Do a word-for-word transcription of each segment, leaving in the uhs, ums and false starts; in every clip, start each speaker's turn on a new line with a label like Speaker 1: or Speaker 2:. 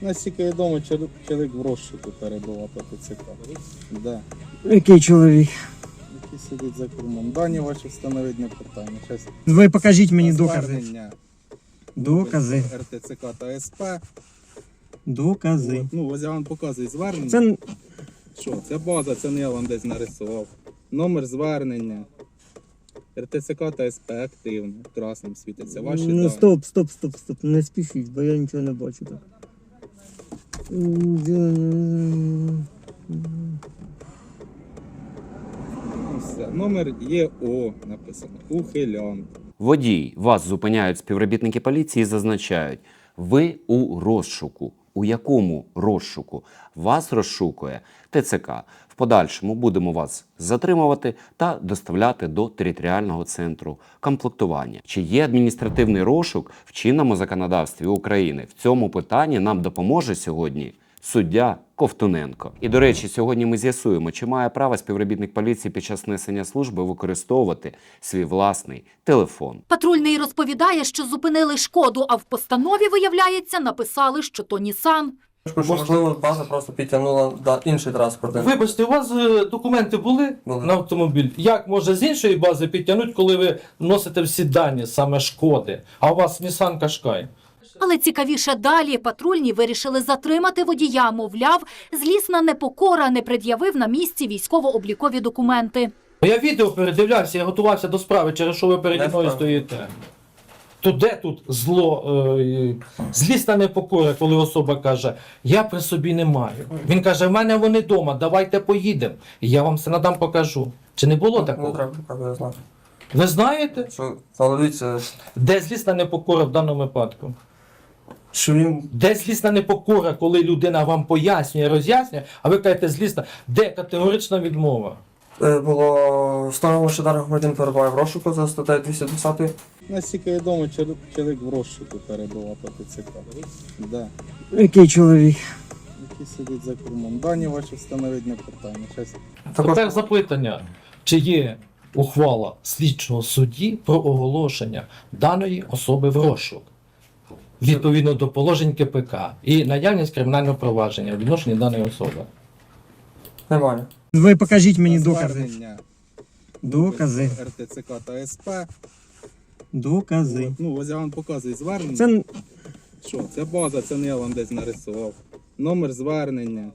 Speaker 1: Наскільки відомо, чоловік в розшуку перебував по ТЦК. Да.
Speaker 2: Який чоловік?
Speaker 1: Який сидить за кермом. Дані ваші встановить не питання. Щас
Speaker 2: Ви покажіть мені докази.
Speaker 1: звернення
Speaker 2: Докази.
Speaker 1: РТЦК та СП.
Speaker 2: Докази.
Speaker 1: От, ну, ось я вам показую звернення.
Speaker 2: Це
Speaker 1: Що? Це база, це не я вам десь нарисував. Номер звернення. РТЦК та СП активно. Красним світиться. Ваші
Speaker 2: ну
Speaker 1: дані.
Speaker 2: стоп, стоп, стоп, стоп. Не спішіть, бо я нічого не бачу так.
Speaker 1: Все. Номер ЄО написано. Ухилянт.
Speaker 3: Водій, вас зупиняють співробітники поліції і зазначають, ви у розшуку. У якому розшуку? Вас розшукує ТЦК. В подальшому будемо вас затримувати та доставляти до територіального центру комплектування. Чи є адміністративний розшук в чинному законодавстві України? В цьому питанні нам допоможе сьогодні суддя Ковтуненко. І, до речі, сьогодні ми з'ясуємо, чи має право співробітник поліції під час несення служби використовувати свій власний телефон.
Speaker 4: Патрульний розповідає, що зупинили Шкоду, а в постанові, виявляється, написали, що то Нісан.
Speaker 5: Можливо, база просто підтягнула да, інший транспорт.
Speaker 6: Вибачте, у вас е, документи були
Speaker 5: Були.
Speaker 6: на автомобіль? Як може з іншої бази підтягнути, коли ви носите всі дані, саме Шкоди, а у вас Nissan Qashqai?
Speaker 4: Але цікавіше далі патрульні вирішили затримати водія, мовляв, злісна непокора не пред'явив на місці військово-облікові документи.
Speaker 6: Я відео передивлявся, я готувався до справи, через що ви переді мною стоїте. То де тут зло, е, злісна непокора, коли особа каже, я при собі не маю. Він каже, в мене вони вдома, давайте поїдемо. І я вам все надам покажу. Чи не було
Speaker 5: Не
Speaker 6: такого?
Speaker 5: треба показувати, знати.
Speaker 6: Ви знаєте,
Speaker 5: Що, але дивіться,
Speaker 6: де злісна непокора в даному випадку?
Speaker 5: що він
Speaker 6: Де злісна непокора, коли людина вам пояснює, роз'яснює, а ви кажете злісна, де категорична відмова?
Speaker 5: е, було встановлено, що даний громадянин перебуває в розшуку за статтею двісті десять.
Speaker 1: Наскільки відомо, чоловік в розшуку перебував по ТЦК. Да.
Speaker 2: який чоловік?
Speaker 1: Який сидить за кермом. Дані ваші встановить не питання. Щас
Speaker 6: Тепер запитання, чи є ухвала слідчого судді про оголошення даної особи в розшук відповідно до положень КПК і наявність кримінального провадження в відношенні даної особи.
Speaker 5: Немає.
Speaker 2: Ви покажіть мені докази.
Speaker 1: звернення
Speaker 2: Докази.
Speaker 1: РТЦК та СП.
Speaker 2: Докази.
Speaker 1: От, ну, ось я вам показую звернення.
Speaker 2: Це
Speaker 1: Що? Це база, це не я вам десь нарисував. Номер звернення.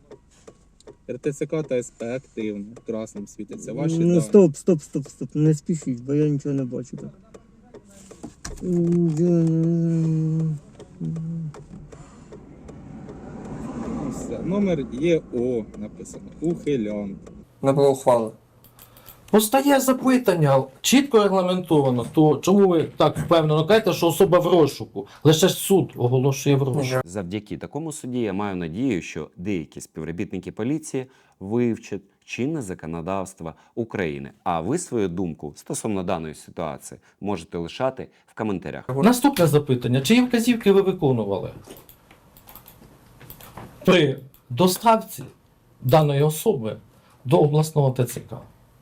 Speaker 1: РТЦК та СП активно. Красним світиться. Ваші
Speaker 2: ну
Speaker 1: дані.
Speaker 2: стоп, стоп, стоп, стоп. Не спішіть, бо я нічого не бачу так.
Speaker 1: Все. Номер ЄО написано. Ухилянт.
Speaker 5: Не було ухвали.
Speaker 6: Постає запитання, чітко регламентовано, то чому ви так впевнено кажете, що особа в розшуку? Лише ж суд оголошує в розшуку.
Speaker 3: Завдяки такому суді я маю надію, що деякі співробітники поліції вивчать чинне законодавство України. А ви свою думку стосовно даної ситуації можете лишати в коментарях.
Speaker 6: Наступне запитання. Чиї вказівки ви виконували при доставці даної особи до обласного ТЦК?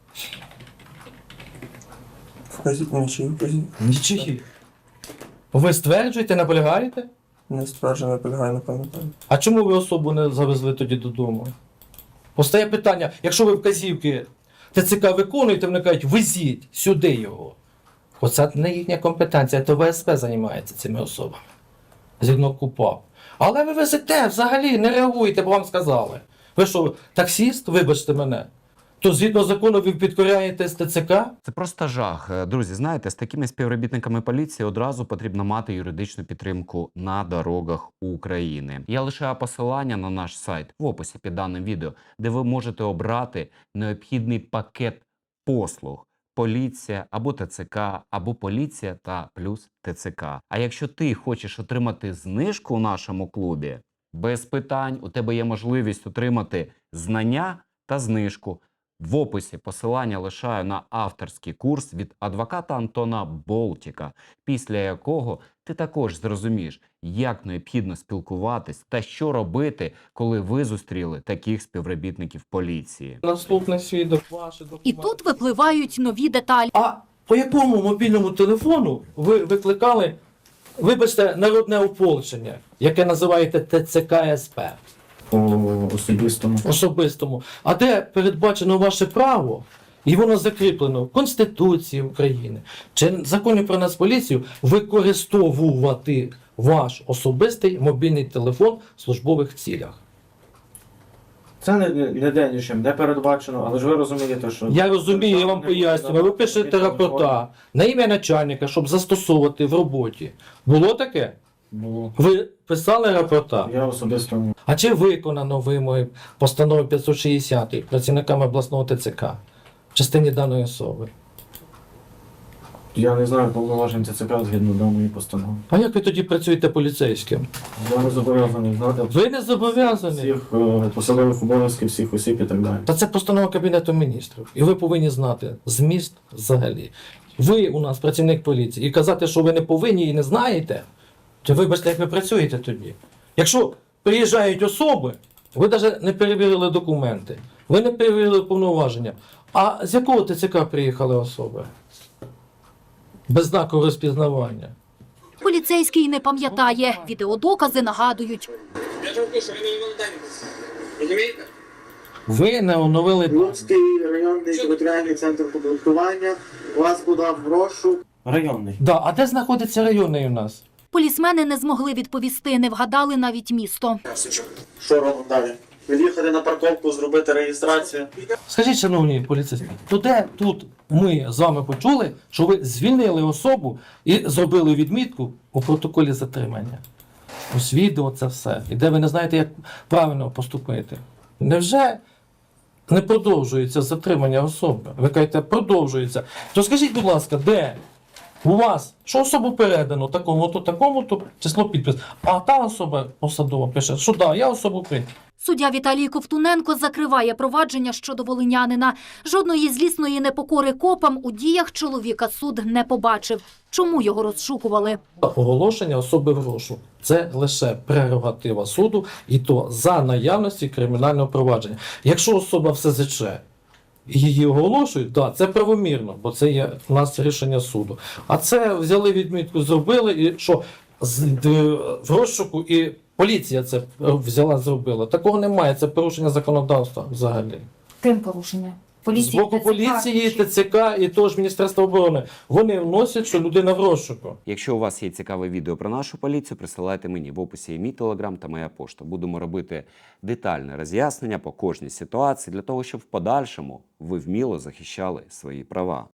Speaker 5: Вказіть нічий, вказіть.
Speaker 6: Нічиї. Ви стверджуєте, наполягаєте?
Speaker 5: Не стверджено, не полягає, не пам'ятаю.
Speaker 6: А чому ви особу не завезли тоді додому? Постає питання, якщо ви вказівки ТЦК виконуєте, вони кажуть, везіть сюди його. Оце не їхня компетенція, то ВСП займається цими особами. Згідно КУПАП. Але ви везете, взагалі не реагуєте, бо вам сказали. Ви що, таксіст, вибачте мене, то згідно закону ви підкоряєтесь ТЦК?
Speaker 3: Це просто жах. Друзі, знаєте, з такими співробітниками поліції одразу потрібно мати юридичну підтримку на дорогах України. Я лишаю посилання на наш сайт в описі під даним відео, де ви можете обрати необхідний пакет послуг. Поліція або ТЦК, або поліція та плюс ТЦК. А якщо ти хочеш отримати знижку у нашому клубі, без питань, у тебе є можливість отримати знання та знижку. В описі посилання лишаю на авторський курс від адвоката Антона Болтіка, після якого ти також зрозумієш, як необхідно спілкуватись та що робити, коли ви зустріли таких співробітників поліції.
Speaker 6: Наступний свідок, ваші документи.
Speaker 4: І тут випливають нові деталі.
Speaker 6: А по якому мобільному телефону ви викликали вибачте, народне ополчення, яке називаєте Т Ц К С П.
Speaker 5: По особистому.
Speaker 6: Особистому, а де передбачено ваше право, і воно закріплено в Конституції України чи в законі про Нацполіцію використовувати ваш особистий мобільний телефон в службових цілях.
Speaker 7: Це не, не де нічим, не передбачено, але ж ви розумієте, що...
Speaker 6: Я розумію, я вам пояснюю, ви пишете рапорта на ім'я начальника, щоб застосовувати в роботі. Було таке?
Speaker 7: Було.
Speaker 6: Ви писали рапорта?
Speaker 7: Я особисто...
Speaker 6: А чи виконано вимоги постанови п'ятсот шістдесят працівниками обласного Т Ц К в частині даної особи?
Speaker 7: Я не знаю повноважень Т Ц К згідно даної постанови.
Speaker 6: А як ви тоді працюєте поліцейським?
Speaker 7: Я не зобов'язаний знати
Speaker 6: Ви не зобов'язані.
Speaker 7: всіх е, посадових обов'язків, всіх осіб і так далі.
Speaker 6: Та це постанова Кабінету міністрів. І ви повинні знати зміст взагалі. Ви у нас працівник поліції. І казати, що ви не повинні і не знаєте, то вибачте, як ви працюєте тоді. Якщо приїжджають особи, ви навіть не перевірили документи, ви не перевірили повноваження. А з якого Т Ц К приїхали особи? Без знаку розпізнавання.
Speaker 4: Поліцейський не пам'ятає. Відеодокази нагадують.
Speaker 8: Я ж кажу, що ви не дані. Розумієте?
Speaker 6: Ви не оновили дані.
Speaker 9: Луцький районний територіальний центр комплектування вас подав в розшук.
Speaker 7: Районний.
Speaker 6: Да, а де знаходиться районний у нас?
Speaker 4: Полісмени не змогли відповісти, не вгадали навіть місто.
Speaker 9: Що робимо далі? Від'їхати на парковку, зробити реєстрацію.
Speaker 6: Скажіть, шановні поліцейські, то де тут ми з вами почули, що ви звільнили особу і зробили відмітку у протоколі затримання? Ось відео це все. І де ви не знаєте, як правильно поступити. Невже не продовжується затримання особи? Ви кажете, продовжується. То скажіть, будь ласка, де у вас, що особу передано такому-то, такому-то, число підпис, а та особа посадова пише, що да, я особу прийняв.
Speaker 4: Суддя Віталій Ковтуненко закриває провадження щодо волинянина. Жодної злісної непокори копам у діях чоловіка суд не побачив. Чому його розшукували?
Speaker 6: Оголошення особи в розшук – це лише прерогатива суду, і то за наявності кримінального провадження. Якщо особа в С З Ч і її оголошують, да, це правомірно, бо це є у нас рішення суду. А це взяли відмітку, зробили, і що з- д- в розшуку і поліція це взяла, зробила. Такого немає, це порушення законодавства взагалі.
Speaker 10: Ким порушення?
Speaker 6: З боку поліції, Т Ц К і того ж Міністерства оборони. Вони вносять, що людина в розшуку.
Speaker 3: Якщо у вас є цікаве відео про нашу поліцію, присилайте мені. В описі є мій телеграм та моя пошта. Будемо робити детальне роз'яснення по кожній ситуації, для того, щоб в подальшому ви вміло захищали свої права.